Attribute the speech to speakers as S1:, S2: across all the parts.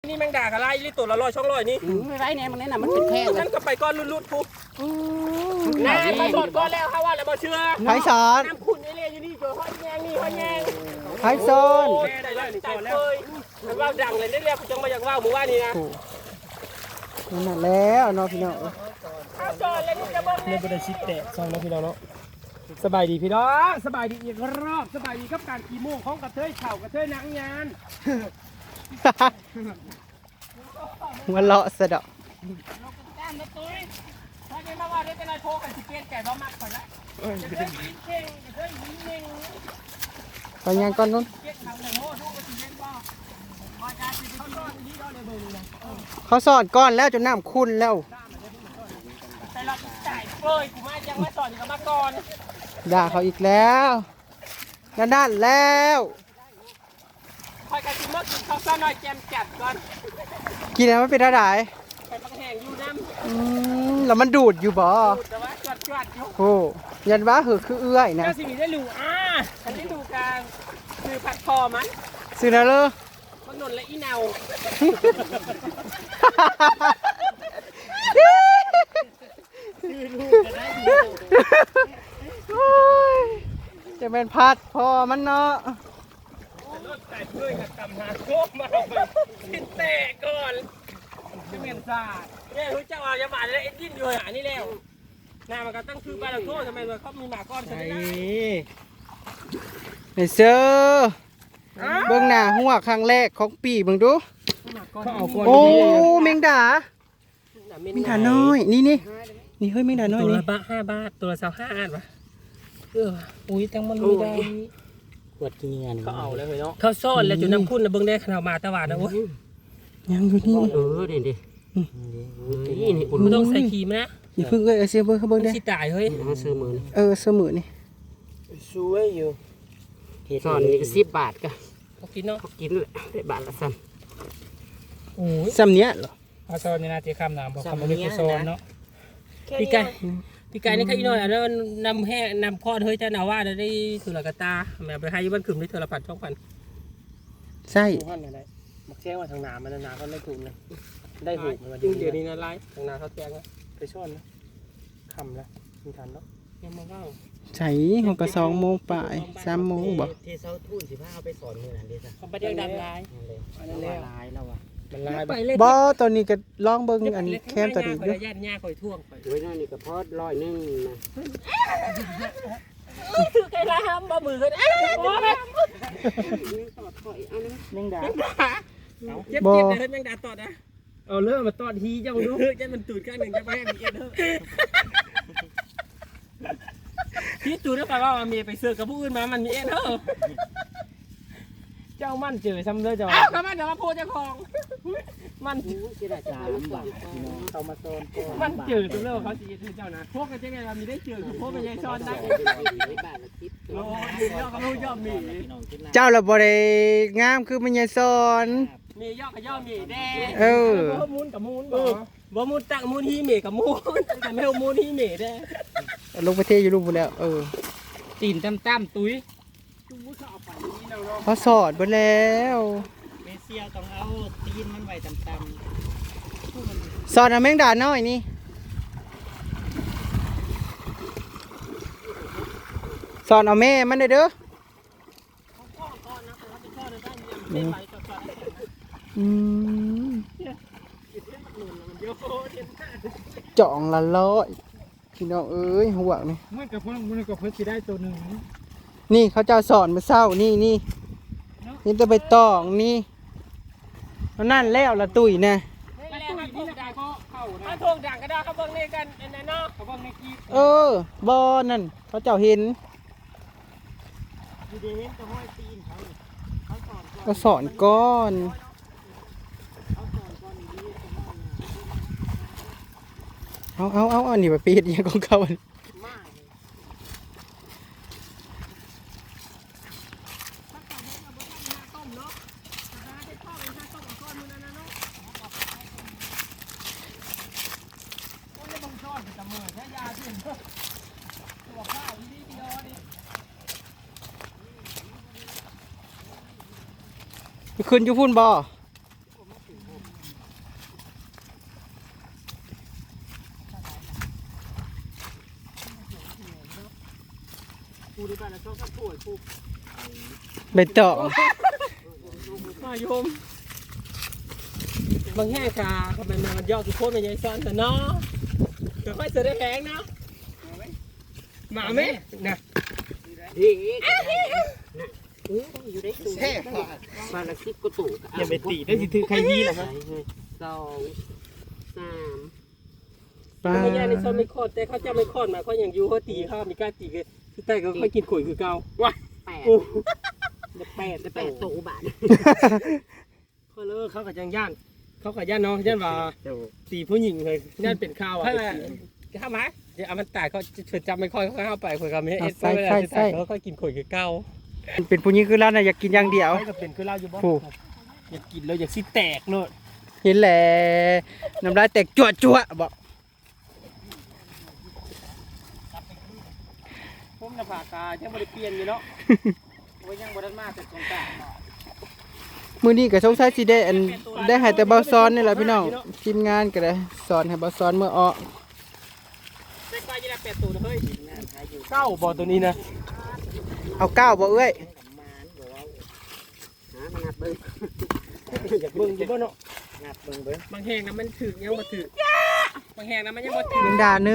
S1: นี่แมงดากอะไรนี่ตัวละ100-200นี่
S2: ไม่ไรเนี่ยมันนี่น่ะมันเป็นแค่
S1: นั่นก็ไปก้อนรุดๆปุ๊บน้ำมาสดก้อนแล้วเขาว่าแล้วบ่เชื่อ
S3: ไผ่สอน
S1: น้ำขุ่นนี่เลยอยู่นี่เจอห้อยแยงนี่ห้อยแยง
S3: ไผ่สอน
S1: ได้แล้วนี่ก่อนแล้วมันว่าดังเลยเรียกจังมาจากว่าหมู่บ้านนี่นะ
S3: นั่นแล้วเนาะพี่น้อง
S1: ข้าวซอยเลยนี่จะเบิ่งเนี่ยบ่ได้ชิดแตะซองเนาะพี่น้องเนาะสบายดีพี่น้องสบายดีอีกรอบสบายดีกับการขี่โม่ของกระเทยเข่ากระเทยหนังยาน
S3: หัวเลาะสะดอก
S1: ก้านมาตุ้ยถ้าไม่มาว่าได้เป็นอะไรโทรกันสิเปลี่ยนแก่บ่มักก่อนละจะเดินยิงเข่งจะเดินยิงเข่ง
S3: ไปยังก่อนนู้นเขาสอดก้อนแล้วจนน้ำขุ่นแล้ว
S1: แต่เราจ่ายเฟ้ยกูมายังมาสอนกับมาก่อน
S3: ด่าเขาอีกแล้วด้านแล้ว
S1: คอยกันกินเมื่อกินข้าวซอยหน่อยแจมจัดก่อน
S3: กินแล้วมันเป็นอะไร
S1: ไปปังแห้งอยู่น้
S3: ำแล้วมันดูดอยู่บ่
S1: แต่ว่าจวดอยู่
S3: โอ้ยันว่าเหอะคือเอื้อยนะ
S1: ก็สิมีได้รู้ฉันได้ดูการคือผัดคอมัน
S3: ซื้อแล้วเลย
S1: มันนนและอีเนา
S3: จะเป็นพัดพอมันเนาะ
S1: รถใส่เพื่อนกับตำหาโคกมาเอาไปกินเตะก่อนจะเหม็นซาเนี่ยรู้จักว่าจะมาแล้วเอ็ดดิ้นอยู่หานี่แล้วหน้ามันก็ตั้งชื่อบ้านเราโทษทำไมเขามีหมาก้อนใช่ไหม
S3: ไอ้เสือเบื้องหน้าหัวครั้งแรกของปีเบิ่งดูโอ้แมงดาแมงดาน้อยนี่เฮ้ยแมงดาน้อย
S1: ตัว
S3: นี่
S1: ละ5 บาทตัวละ25 อันวะ
S2: อุ้ยตั้งมันไม่ได้
S1: ขวดกินเงินเขาเอาแล้วเนาะเขาซ่อนแล้วจุดน้ำขุ่นนะเบิ้งได้ขนาดมาตะวันนะเว้ย
S3: ยังอยู่นี่
S1: ดินี่คุณไม่ต้องใส่ครีมนะ
S3: อย่าเพิ่งเสียเบิ้งเขาเบิ้งได้
S1: สิตายเฮ้ย
S3: เสมอนี่
S1: สวยอยู่
S2: ซ่อนนี่ก็10 บาทก็
S1: เขากินเนาะ
S2: เขากินได้บาทละซ้
S1: ำโอ้ย
S3: ซ้ำเนี้ยเหรอ
S1: เขาซ่อนนี่นะเจ้าข้ามน้ำบอกเขาไม่ได้ซ่อนเนาะพี่ไก่นี่แค่อีน้อยอันนั้นนำแห้นำพอดเฮ้ยจะหนาว่าได้ถือละกะตาแม่ไปให้บ้านขึ้นได้เธอละพัน
S3: ใช่
S1: ท่านอะไรมักแจ้งว่าทางน้ำมันน้ำก็ไม่ถูกเลยได้หูมันเดี๋ยวนี้นะไล่ทางน้ำเขาแจ้งนะไปซ่อนนะคำละมีทันเนาะยังมาเล่า
S3: ใช่6 ก2 โมงป่าย3 โมงบ่
S2: เทเซาทุ่น15เอาไปสอนนี่นั่นดิจ้ะ
S1: เขาไปเรียกดันลาย
S2: มันลายแล้วว่ะ
S1: มันลาย
S3: บ่ตอนนี้ก็ลองเบิ่งอันแคมตัวนี้
S1: ด้วยย่านหญ้าคอยท่วงคอย
S2: ด้วยนั่นนี่ก็พอด100 นึงนะ
S1: คือใครละห้ามบ่มือกันโอ้ย
S2: ตอดถอยเอานะ
S3: แมงดา
S1: เจ็บเลยแมงดาตอดนะเอาเริ่มมาตอดฮีเจ้าดูจะมันตูดข้างหนึ่งจะไปให้มันเอ็นเถอะพี่จูได้ไปว่ามันมีไปเสือกกับผู้อื่นมามันมีเอ็นเถอะเจ้ามันเจอซ้ำเลยเจ้าก็มันเดี๋ยวมาโพเจ้าของมัน
S2: ที่ได้3 บาท
S1: เขามาโซนมันเจอตัวเลิกเขาจีเจ้านะพวกกันจะไงเรามีได้เจอคือพวกเป็นยายซ้อนได้โอ้ยยอดเขาลูกยอดมี
S3: เจ้าละบ่ได้งามคือมันยายสอน
S1: มียอดกับยอดมีแดงมูนกับมูนบ่มูนตั้งมูนฮีเมกับมูนแต่ไม่เอามูนฮีเมแดง
S3: ลงประเทศอยู่รูปแล้ว
S1: ตีนตั้มตุ้ย
S3: เขาสอดไปแล้ว
S2: เมเซียต้องเอาตีนมันไว้ต่ำ
S3: สอดแมงดาน้อยนี่สอดเอาแม่มันได้เด้อจ่องละ100พี่น้องเอ้ยหัวนี่
S1: มันกับเพื่อนสิได้ตัวหนึ่ง
S3: นี่เขาจะสอนมาเศร้านี่นี่จะไปตองนี่นั่นแล้วละตุ๋ยนะ
S1: ถ้าทวงด่างก็ได้เขาเบิ่งนี่กันในนอกเขาเบิ่งในกี
S3: บอนั่นเขาเจ้าเห็นก็สอนก้อนเอานี่ไปปีดยังของเขาขึ้นอยู่พุ่นบ่
S1: ผู้ในบ้านเราชอบผู้ผู้
S3: ใบตอง
S1: มาโยมบางแห่กาเขาเป็นมันยอดทุกคนเป็นยังซ้อนแต่เนาะเดี๋ยวค่อยเสด็จแหงเนาะมาไหมนะอยู่ได้ตู้มาละสิบก็ตู้อย่าไปตีได้สิถือใครยีล่ะครับ2 3ป้าย่าในซ้อนไม่คอดแต่เขาจะไม่คอดมาเขาอย่างยูเขาตีเขามีการตีกันคือแต่ก็ค่อยกินข่อยคือเก่าว้า8ตู้บาทเขาเลิกเขากับย่านเขากับย่านน้องย่านว่าตีผู้หญิงเลยย่านเป็นข้าวอ่ะข้าวไหมเดี๋ยวเอามันตายเขาเฉยจำไม่ค่อยเขาเข้าไปคุยกับเมย์ใช่เขาค่อยกินข่อยคือเก่า
S3: เป็นผู้หญิงคือเราน่ะอยากกินอย่างเดียว
S1: ก็เป็นคือเราอยู่บ้านอยากกินแล้วอยากสิแตกเนอะ
S3: เห็นแหละน้ำลายแตกจั่วบอก
S1: ผมจะฝากกายังไม่ได้เปลี่ยนอยู่เนาะว่ายังบ่ได้มาแต่สงกรานต์
S3: มื้อนี้ก็สงสัยสิได้อันได้ให้แต่เบาซ้อนนี่แหละพี่น้องทีมงานก็ได้สอนให้เบาซ้อนเมื่อออก
S1: แต่ก็ยังได้8ตัวเฮ้ยเก้าบ่ตัวนี้นะ
S3: เอาก้าวบ่เอ้ย
S1: อยากเบิ่งอยู่บ่เนาะบางแห่งนะมันถึกยังบ่ถึกบางแห่งนะมันยังบ่ถึก
S3: แมงดา1 2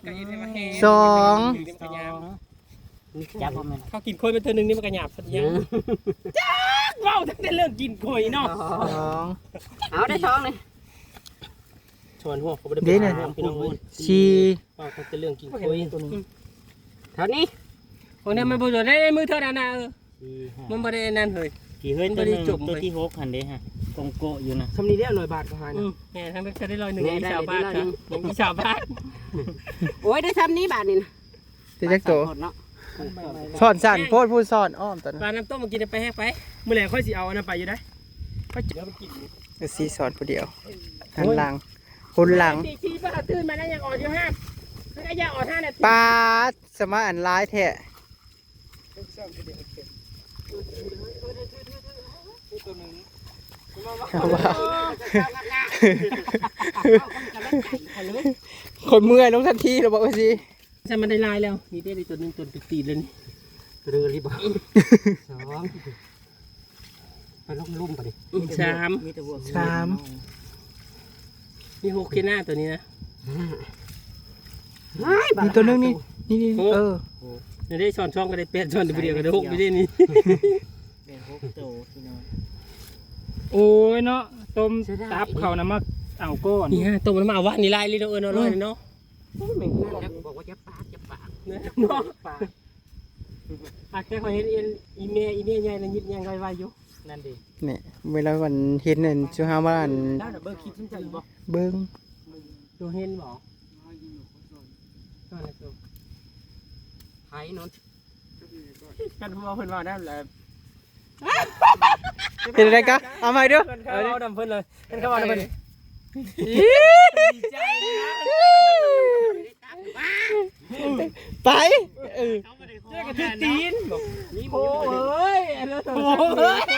S2: จับบ่แม่น
S1: เขากินโคยเป็นเธอนึงนี่มันก็หยาบสักอย่างจ้าว้าวตั้งแต่เรื่องกินโคยเนาะ
S3: 2
S2: เอาได้ท้องเลย
S1: ชวนหัวเขาบ่ได้
S3: เด้น่ะ
S1: พี่น้องเอ้ย
S3: 4
S1: ว่าตั้งแต่เรื่องกินโคย
S2: เท่านี้
S1: คนนั้นมันบ่ได้มือเท่านั้นน่ะมันบ่ได้นั่นเฮ้ย
S2: กี่เฮ้ยตัวนึงตัวที่6หั่นเด้ฮะกงโกอยู่นะ
S1: คำนี้ได้100 บาทก็หานะแหมทั้งจะได้100นึงอีชาวบ้านครับอีชาวบ้าน
S2: โอ้ยได้ซ้ำนี้บาทนี่นะ
S3: เจ๊จักโต
S2: เนาะ
S3: สอนสั่นโพดผู้สอนอ้อมตอนนั้น
S1: ปลาน้ำต้มมากินไปแห้งไปมื้อแลงค่อยสิเอาอันนั้นไปอยู่ได้ค่อยจิบแล้วมันกิน
S3: ก็สิสอนผู้เดียวหันหลังคนหลัง
S1: ตีป้าตื่นมาแล้วยังอ่อนอยู่5คือไอ้ยาอ่อน5นาที
S3: ปาดสมาอันร้ายแท้เอาว่าคนเมื่อยลงทันทีเราบอกว่าสิ
S1: ใช่มันได้ลายแล้วนี่ได้ตัวนึงตัวตีเลยนี่เรือรีบ2ไปลงลุ่มไปดิ3 นี่6กินหน้าตัวนี้นะ
S3: มีตัวนึงนี่เออ
S1: นี่ได้ช้อนช่องก็ได้8ช้อนเดียวก็ได้6อยู่ได้นี่
S2: เป็น6โตพี่น้อง
S4: โอ้ยเนาะต้มตับเขานะมาเอาก้อน
S1: นี่ฮะตัวมันมาว่านี่ลายเลยเนาะเนาะเนาะ
S2: บอกว่าจะปาก
S1: เ
S2: จะ
S1: นาะปากแค่เขาเห็นอีเมย์ใหญ่แล้วยิบยังไวๆอยู่นั่นดิ
S3: เนี่ยเวลาวันเห็นนั่นชื่อฮาว่าอัน
S1: แล้วเบอร์คิดสนใจบ่
S3: เบิ้ง
S1: ดูเห็นบ่ไผ่นนกันพูดว่าเพิ่นว่าได้แหละ
S3: เป็นอะไรกะเอาใหม่ดู
S1: เอาดำเพิ่นเลยเพิ่นเขาว่าดำเพิ่นดีใจนะ
S3: ไป
S1: เจ้ากระทืบตีนโอ้ยโอ้ย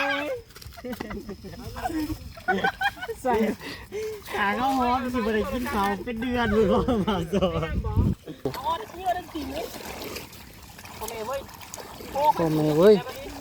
S1: ใส่
S2: ขาเขาหอมสิบ่ได้กินข้าวเป็นเดือนเลยบ่มาสอน
S1: อ๋อนี่ว่าดันตีนนี่โอ้แม่เว้ย
S3: โอ้แม่เว้ย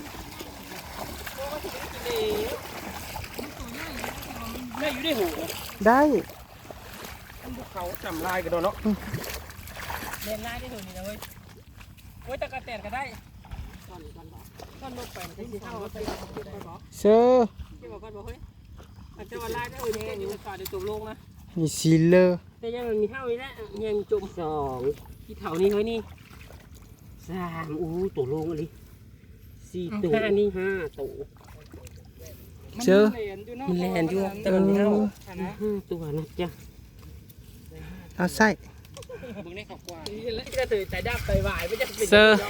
S1: แม่อยู่ได้หู
S3: ได้
S1: เขาจำลายกันโดนเนาะเล่นลายได้หูนี่นะเว้ยเว้ยตะกะแตนก็ได้ก้อนลงไปมันจะสิเข้าไปบอก
S3: เชื่อ
S1: ที่บอกก้อนบอกเฮ้ยอาจจะว่าลายได้หูนี่อยู่ในป่าเดี๋ยวจมลงนะ
S3: มีซีเลอร์
S1: แต่ยังมันมีเท่านี้แหละยังจม2ที่เท่านี้เฮ้ยนี่3อู้ตัวลงอะไร4ตัวนี่5ตัว
S3: เชื่อ
S1: มันแลนอยู่แต่มันไม่เท่าตัวนะจ๊ะ
S3: เอาใส่
S1: แล้วจะตื่นใจดับใจวายไม่จะเป็น
S3: เซอร์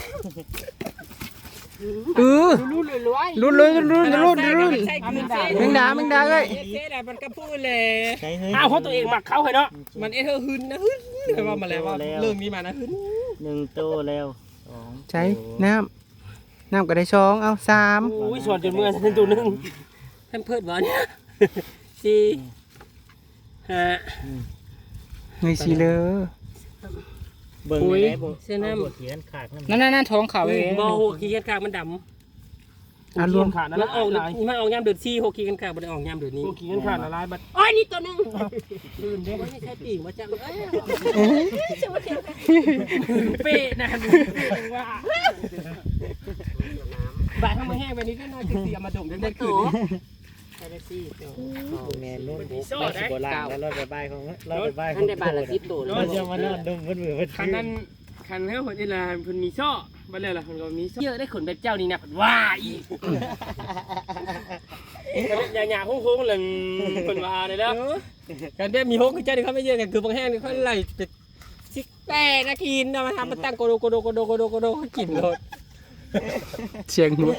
S1: รุ่นเลยรวย
S3: รุ่นแมงดาเลย
S1: เจ๊ได้มันก็พูดเลย
S2: ใช่เฮ้ย
S1: อ้าวเพราะตัวเองหมักเขาเหรอเนาะมันเธอหึนนะหึนแต่ว่ามาแล้วว่าเรื่องนี้มานะหึน
S2: 1โตแล้ว2
S3: ใช้น้ำก็ได้ช้องเอา3
S1: โอ้ยสอนจนเมื่อฉันตัวนึงท่านเพิดบอล4 5
S3: มีซีเลอร์
S2: เบิ่งได้บ่เสื้อน้ำเขียนขากน้ำ
S4: นั่นท้องเขาเอง
S1: บ่หัวขี้กันขากมันดำ
S4: รวมขาด
S1: มันออกมันออกยามเดือดซี่หัวขี้กันขากบ่ได้ออกยามเดือดนี้
S4: พวกขี้กันขาดละลายบัด
S1: โอ้ยนี่ตัวนึง
S4: ตื่นเด้
S1: ไม่ใช่ปีกมาจังเป๊ะนะว่าบาดทำไมแห้งไปนิดน้อยจะเสียมาดมได้ตัว
S2: แม่รุ่นโบราณแล้วรถไปบ้านของรถไปบ้านของ
S1: ได้บาทละ10ตัว
S2: เราจะมานอนดมเพิ่นมือเพิ่น
S1: คันนั้นคันเฮาคนอีลาเพิ่นมีช่อบ่แล้วล่ะเพิ่นก็มีเยอะได้ขนแบบเจ้านี่นะเพิ่นว่าอีกหยาๆโค้งๆเลยเพิ่นว่าได้แล้วกันได้มีโฮกคือเจ้านี่เขาไม่เยอะกันคือบางแห้งนี่เขาไล่เป็ดซิกแป้นะกินเอามาทำมาตั้งโกโดกินโลด
S3: เชียงหัว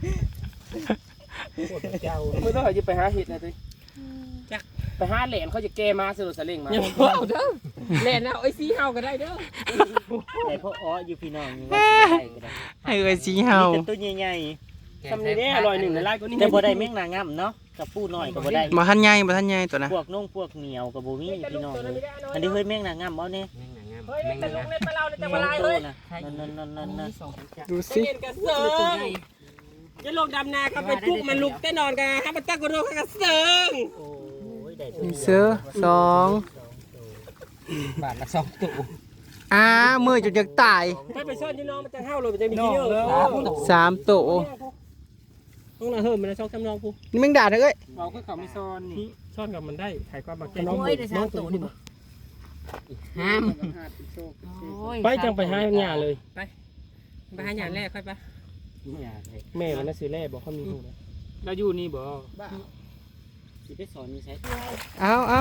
S1: ไม่ต้องจะไปหาเห็ดนะสิจักไปหาแหลนเขาจะแก้มาสรุปสลิงมาเด้อแหลนเอาไอ้ซีเฮาก็ได้เด้อ
S2: แต่พ่ออ้ออยู่พี่น้องนี่ว่าสิได้ก็ได้
S3: ให้เอ้ยสีเฮา
S2: มีแต่ตัวใหญ่
S1: ทำนี่แน่อร่อยหนึ่งในไร่ก็นี่
S2: ๆแต่บ่ได้แมงนางงำเนาะกับปูน้อยก็บ่ได้
S3: บ่ทันใหญ่บ่ทันใหญ่ตัวนะ
S2: พวกนุ่งพวกเหนียวกับบ่มีพี่น้องเลยอันนี้เฮ้ยแมงนางงำเอาแน่
S1: เฮ้ยแต่ลงเล่นมาเราจะมาลายเฮ้ย
S2: นั่นๆ
S3: ดู
S1: เล่
S3: สิ
S1: นกันเสิร์งจะลงดำนาก็ไปปลุกมันลุกแต่นอนกันให้มันตั้งกระโดดกันเสิร์ง
S2: โอ้ยได้ตัว
S3: มีเสื้อสอง
S1: บาทละ2ตัว
S3: มือจุดอยากตาย
S1: ถ้าไปซ่อนที่น้องมันจะเห่าเลยมันจะมีขี้เยอะ
S3: 3ตัว
S1: ต้องน่ะเฮิ่มมันช่องคำนองกู
S3: นี่แมงดาเด้อเอ้ย
S4: เราก็เขาไม่ซ่อนนี่
S1: ซ่อนกับมันได้ถ่ายความบักใจ
S5: โอ้ยได้สามตัวนี่บ่ห้าม
S1: ไปจังไปหาหญ้าเลยไปหาหญ้าแรกค่อยไปแม่มันน่ะซื้อแร่บอกเขามีหูนะ
S4: เราอยู่นี่บ่
S2: สิไปสอนนี่ใช้
S3: เอา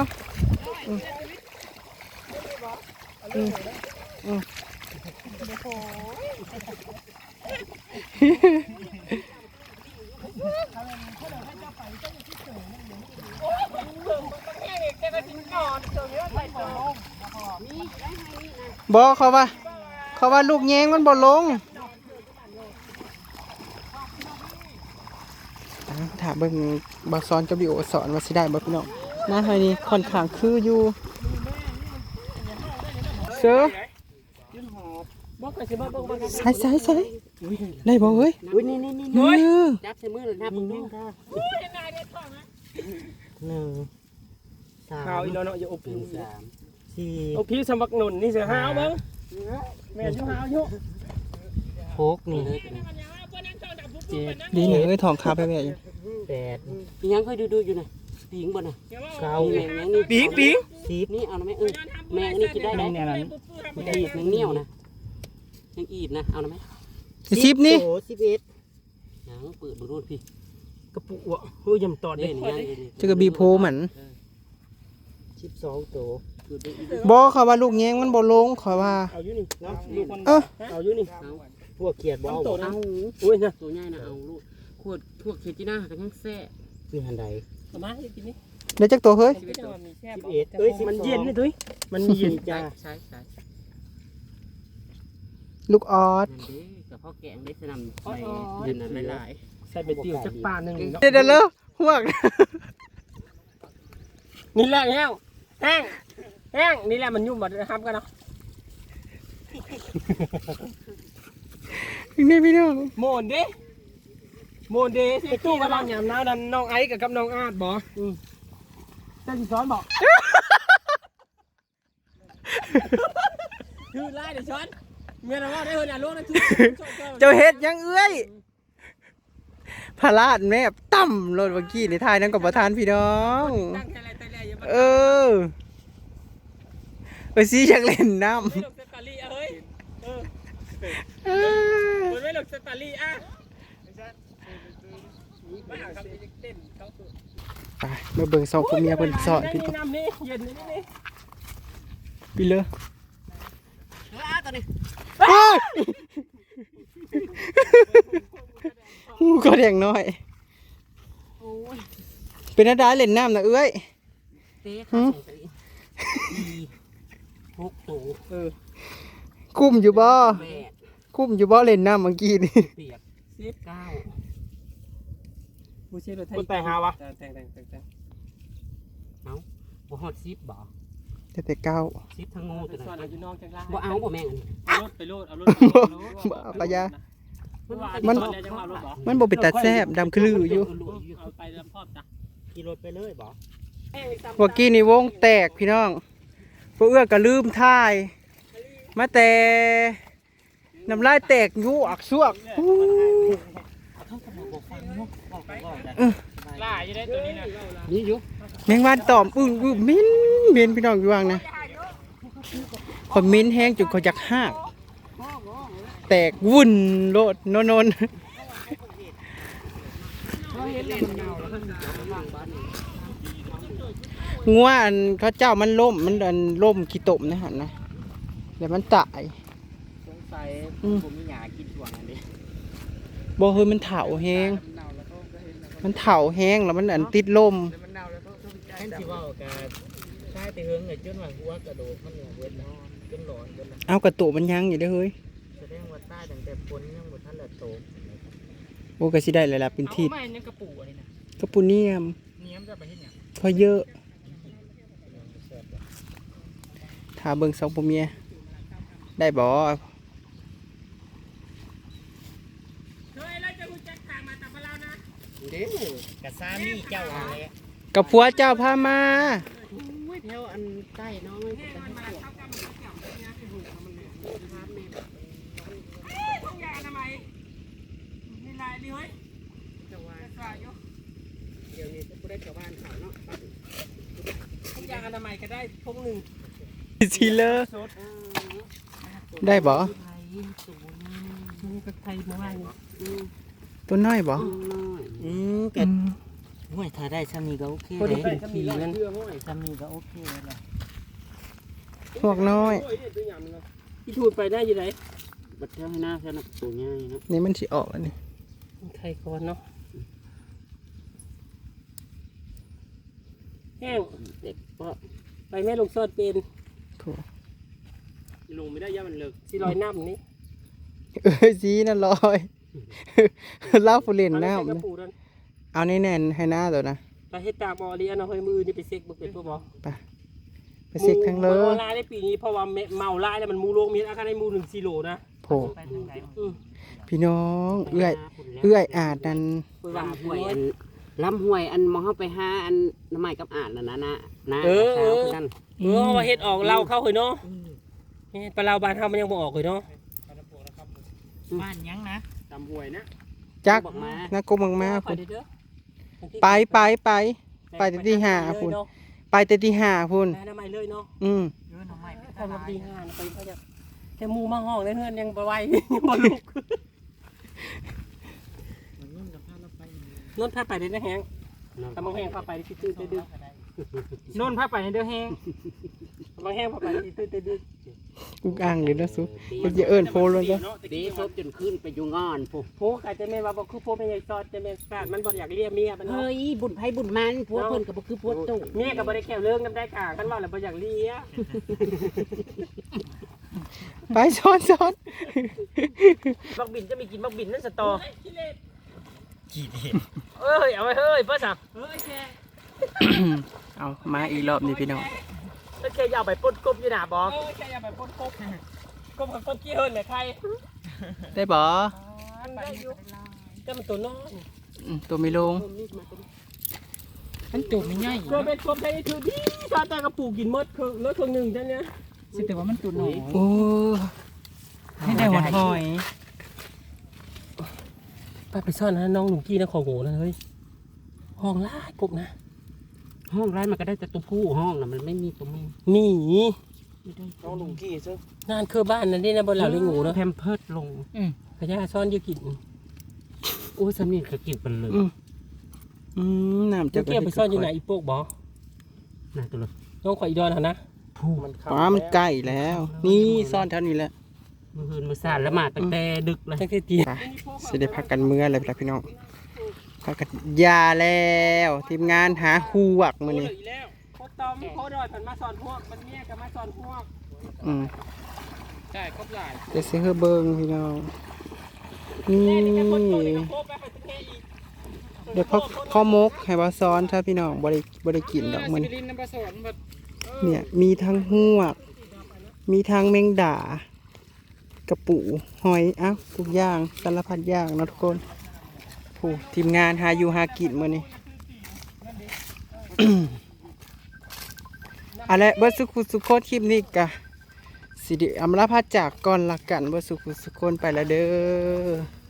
S3: บ่เขาว่าลูกแยงมันบ่ลงถ้าเบิ่งบ่สอนกับวิโอสอนว่าสิได้บ่พี่น้องนะเฮ้ยนี่ค่อนข้างคืออยู่เสือ
S1: บอกไปสิบอกบอก
S3: ใส่ได้บ่เอ้ย
S5: อุ้ยนี่ จับใส่มือเลยนะมึงดู
S2: 1
S1: ข้าวอีน้อยอย่าอบผิว
S2: 3
S1: อบผิวสมักหนุนนี่เสือห้าวมั้งแม่ชื่อห้าวอยู่
S2: 4 6นี่
S3: ดีนี่เอ้ยทองคาไปแม่อยู่
S2: 8
S5: ยังเคยดูอยู่น่ะปิงบ่น่ะ
S2: 9
S5: แมงนี่
S1: ปีก
S2: 10
S5: นี่เอานะแม่แมงนี่กินได้
S4: เนี่ยนั้น
S5: แมงอีบแมงเหนียวนะแมงอีบนะเอานะแม่
S3: 10นี่
S2: โอ้11
S5: ยังเปิดบ่รู้พี่
S1: กระปุกอ่ะเฮ้ยยำตอด
S5: เด่
S1: เด่
S5: น
S1: น
S5: ยัง
S3: จะกระบีโพเหมือน
S2: 12ตัว
S3: บ่เขาว่าลูกแยงมันบ่ลงเขาว่า
S1: เอาอยู่นี่เนาะลูกคน
S3: เออ
S1: เอาอยู่นี่
S2: พวกเขียดบ่เอา
S1: โต
S2: บ่
S1: นะ
S5: เอา
S1: อุ้ยนะ
S5: ตัวใหญ่นะเอาลูกขวดพวกเคจิน่ากันยังแซ่
S2: นี่หันใด
S1: เอามาให้กินนี่
S3: ได้จักตัวเฮ้ย
S1: ชีวิตมันมีแค่
S2: 11เอ้ย
S1: มันเย็นนี่ตุ้ยมันเย็นจ้า
S5: ใช่
S3: ลูกออด
S5: นั่นเด้กับพ่อแกงได้สนำไปเดือนนั้นหลาย
S1: ใส่ไปติวจักปานหนึ่งเนาะ
S3: เดี๋ยวเลยหวก
S1: นี่แหละแห้งนี่แหละมันยุ่มบัดนะครับกันเนาะ
S3: นี่พี่น้อง
S1: โมนเด้ไอ้ตู้กำลังหยำน้ำดันน้องไอ้กับน้องอาดบ่จะสิซ้อนบ่คือไล่เดี๋ยวช้อนเมียเราว่าได้เฮือนอ่ะลูกนะทุก
S3: เจ้าเฮ็ดยังเอ้ยพลาดแม่ต่ำรถเมื่อกี้ในท้ายนั้นกับประธานพี่น้อง
S1: ตั้งแค่ไรแต่แรกอย่ามา
S3: เออสิอยากเล่นน้
S1: ไม่หลบสตารี่เอ้ยมันไม่หลบสตารี่อ่ะมาหาคำเต้นเขา
S3: ำไปมาเบิ่งสองคนเมียเพิ่นสอนพี่
S1: นี่น้ำนี่เย็นนี่
S3: พี่เลย
S5: ตัวนี้
S3: ก็แดงน้อย
S5: โอ้ย
S3: เป็นอะไรเล่นน้ำนะเอ้ย
S5: เต๊ข้าวใส่6ตัว
S3: คุ้มอยู่บ่
S5: 8
S3: คุ้มอยู่บ่เล่นน้ำเมื่อกี้นี่
S5: เปียก 9
S1: ผู้เชี่ยวชาญแต่งหาวะแต่ง
S5: บ่ฮอด10บ่
S3: ทแต่เก้า
S5: ซิปทั้งงู
S1: ไป
S5: ตัว
S1: ซ่อน
S5: นั้น
S1: อยู่นอกจังล่าง
S5: บ่เอาบ่แม่งอันนี้
S1: เอารถไปโลดเอารถ
S3: เอากระยา
S1: มั
S3: มัน น
S1: ยังเอารถบ่
S3: มันบ่เป็นตาแซ่บดำคือลืออยู่
S1: เอาไปลำพอบจ้ะ
S5: ขี่รถไปเลยบ่
S3: เมื่อกี้นี่วงแตกพี่น้องพวกเอื้อก็ลืมท่าย มาแต่น้ำลายแตกยู่อักซวก
S1: ล่าอยู่ได้ตัวนี้นะ
S5: นี่อยู่
S3: แมงวันตอมอึ้งมิ้นพี่น้องอยู่ว่างนะคนมิ้นแห้งจนเขาจักหักแตกวุ่นโลดโนนงัวอันเขาเจ้ามันล่มมันอันล่มขี้ตมนะฮะนะเดี๋ยวมันตาย
S2: สงสัยผมมีหยากินช่วงอันนี้
S3: บ่เฮ้ยมันเถาแห้งมันเถาแห้งแล้วมันอันติดลม
S2: มันเน่าแล้วก็แค่ที่ว่าการใช้แต่เฮงเลยจนว่าหัวกระโดดมันเหนือเวทนะจนหลอนจน
S3: เอากระตุกมันยังอยู่เด้อเฮ้ย
S2: แสดงว่าใต้ตั้งแต่ฝนยังหมดท่านละโต
S3: โอ้ก็สิได้เลยล่ะเป็นทิศ
S4: ไม่เนี่ยกระปูอะไรนะ
S3: กระปุเนียม
S4: เนี้ยมจะไปที่เนี่ย
S3: พอเยอะถ้าเบิ่งสองผัวเมียได้บ่
S1: เฮ้ยเราจะรู้จักทางมาตับเรานะ
S2: เด้กะซามีเจ้าอะไร
S3: กับผัวเจ้าพามา
S5: เที่ยวอันใต้น้องมันจะให้ปวด
S1: ทุกอย่างทำไมมีลายดิเฮ้ย
S5: จะว่า
S1: สายอยู่
S5: เดี๋ยวนี้จะบ่ได้ชาวบ้านเขาเนาะ
S1: ทุกอย่างอนามัยก็ได้พงหนึ่ง
S3: ซีเลอร์ได้บ่
S5: ไทยสูง
S1: นี่ก็ไทยมาว่าอยู่
S3: ตัวน้อยบ่
S5: น้อย
S2: เกิดห่วยถ้าได้ซ้ำนี้ก็โอเค
S1: คน
S2: เล
S1: ที่
S2: ย
S1: ก็มีเงิน
S2: ซ้ำนี้ก็โอเคเลย
S3: พวกน้อย
S1: ที่ทูดไปได้อยู่ไหน
S5: บัดเที่ยวให้หน้าแค่นั้นตัวใหญ่เนาะ
S3: นี่มันสิออกอันนี้
S1: ไทยก่อนเนาะแห้ง
S5: เด็กก็
S1: ไปแม่ลงซอดเป็น
S3: โถ
S1: ลงไม่ได้ย่ามันเลิกสิลอยน้ำนี้
S3: สีนั่นลอย เล่าผู้เล่นน้ำ
S1: กระ
S3: นะ
S1: ปูนั่น
S3: เอาแน่นๆให้หน้าตัวนะ
S1: ไปเฮ็ดตาบอเรียนเอาให้มือนี่ไปเซ็กบ่เป็นตัวบ่
S3: ไปเซ็กทั้งเล
S1: มู
S3: ย
S1: ลายได้ปีนี้เพราะว่าเมาลายแล้วมันมูโลงมีอาการในมู1 กิโลนะ
S3: โผพี่น้องเอื้อยอาจนั่น
S1: ไปว่า
S5: ลำห้วยอันลำห้วยอันมองเข้าไปหาอันน้ำไม้กับอ่านนะนะนะ
S1: เออ
S5: สาวคือกัน
S1: ว่าเฮ็ดออกเราเข้าเคยเนาะเฮ็ดปลาเราบ้านเฮามันยังบ่ออกเลยเนาะ
S2: บ้านยังนะ
S1: ตำหวยนะ
S3: จัก
S5: บอกมา
S3: นักกมังมา
S1: ไป
S3: พุ่น
S1: เด้อ
S3: ไปแต่ที่หาพุ่นไปแต่ที่หาพุ่น
S1: แม่น้ำใหม่เลยเนาะ
S2: เยอะหน่อไม้
S1: ทำดีห่านไปเขาจะแต่หมูมาห้องในเฮือนยังบ่ไหวยังบ่ลุก
S2: มันนุ่นกับผ้าเราไป
S1: นนท์พาไปได้นะแฮงตำบังแห้งพาไปที่ตื้นได้ดึก
S4: โน่นพาไปในเดือแห้ง
S1: ตำบังแห้งพาไปที่ตื้นได้ดึก
S3: อุกอ่างเลยนะสุมันจะเอิ้นโพลเลยจ้ะ
S5: ดีซบจนขึ้นไปอยู่งอนผู้
S1: โหกะจะแม่นว่าบ่คือโพแม่ใหญ่ซอดจะแม่นฟาดมันบ่อยากเลี้ยเมียมันเนาะ
S5: เฮ้ยบุญไผบุญมันพวกเพิ่นก็บ่คือพวกตู้
S1: เมียก็บ่ได้แค่เรื่องนำได้ค่ะคันว่าแล้วบ่อยากเลี้ย
S3: ไปซ้อน
S1: บักบินจะมีกินบักบินนั่นสตอเอ้ยเอาไว้เฮ้ยเพิ่นสั่งเฮ้ยแก
S3: เอามาอีกรอบนี้พี่น้อง
S1: แล้วแกอย่าไปปนกบอยู่หน้าบ่แกอย่าไปปนกบกบกับกบขี้เฮินแม่ใคร
S3: ได้บ่
S1: มันได้อยู่แต่มันตัวน้อย
S3: ตัวไม่ลง
S4: มันตูดไม่ใหญ่
S1: เคยเป็นกบได้ถือดีซาแต่กระปูกินหมดคือรถคนหนึ่งท่านเนี้ย
S4: สิแต่ว่ามันตูดหน่อย
S3: โอ้ให้ได้หัวหอย
S1: ป้าไปซ่อนนะน้องหนุ่มกี้นะของโง่นะเฮ้ยห้องล่ากบนะ
S5: ห้องไร้มันก็ได้แต่ตัวผู้ห้องน่ะมันไม่มีตัวแม่
S1: นี่
S2: น้องลุงกี้ซึ่ง
S1: นานคือบ้านนั่นนี่นะบนเหล่าเลี้ยงงูเนาะ
S5: แพมเพิร์ดลง
S1: ขยะซ่อนอยู่กิน
S5: โอ้ยสำนีก็กินเป็นเลย
S3: น้ำ
S1: จะเกี่ยวไปซ่อนอยู่ไหนอีโปกบ่
S5: น่าตัวเลย
S1: น้องข่อยอีดอนหะนะ
S5: ผู้
S2: มันเข้า
S3: ป้ามันใกล้แล้ว นี่ซ่อนเท่านี้แหละ
S5: มือหืนมือสานแล้วมาตั้งแต่ดึกเลย
S1: ตั้งแต่ตี
S3: ไปสิได้พักกันเมื่อเลยพี่น้องพักกันยาแล้วทีมงานหาหูวักมื้อนี้
S1: แล้วโคตอมโคดอยผ่านมาสอนพวกมันเนี่ยกับมาสอนพวก ใช่ครบหลาย
S3: จะซื้อเบิ่งพี่น้องนี่
S1: นี่แค่คนโตนี่ก็ครบแล้วไปประเทศอีก
S3: เดี๋ยวพ่อมกให้ว่าซ้อนถ้าพี่น้องบ่ได้กินดอกมื้อนี้
S4: สิรินน้ำปลาสอนแบบ
S3: เนี่ยมีทั้งหวก มีทั้งแมงดากระปูหอยอ้าวทุกอย่างสารพัดอย่างเนาะทุกคนโอ้ทีมงานหาอยู่หากินมื้อนี้ อะไรเบิร์สุขุสุโคตคลิปนี้กะสิเดิอำลาพาจากก่อนละกันเบิร์สุขุสุโคนไปแล้วเด้อ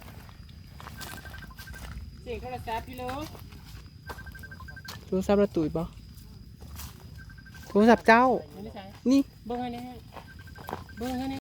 S1: เสียงโทรศัพท์พี่เลิฟ
S3: โทรศัพท์ระตุยบ่โทรศัพท์เจ้า
S1: ไม่ได้ใช้
S3: นี่
S1: เบิ้งให้นี่เบิ้งให้นี่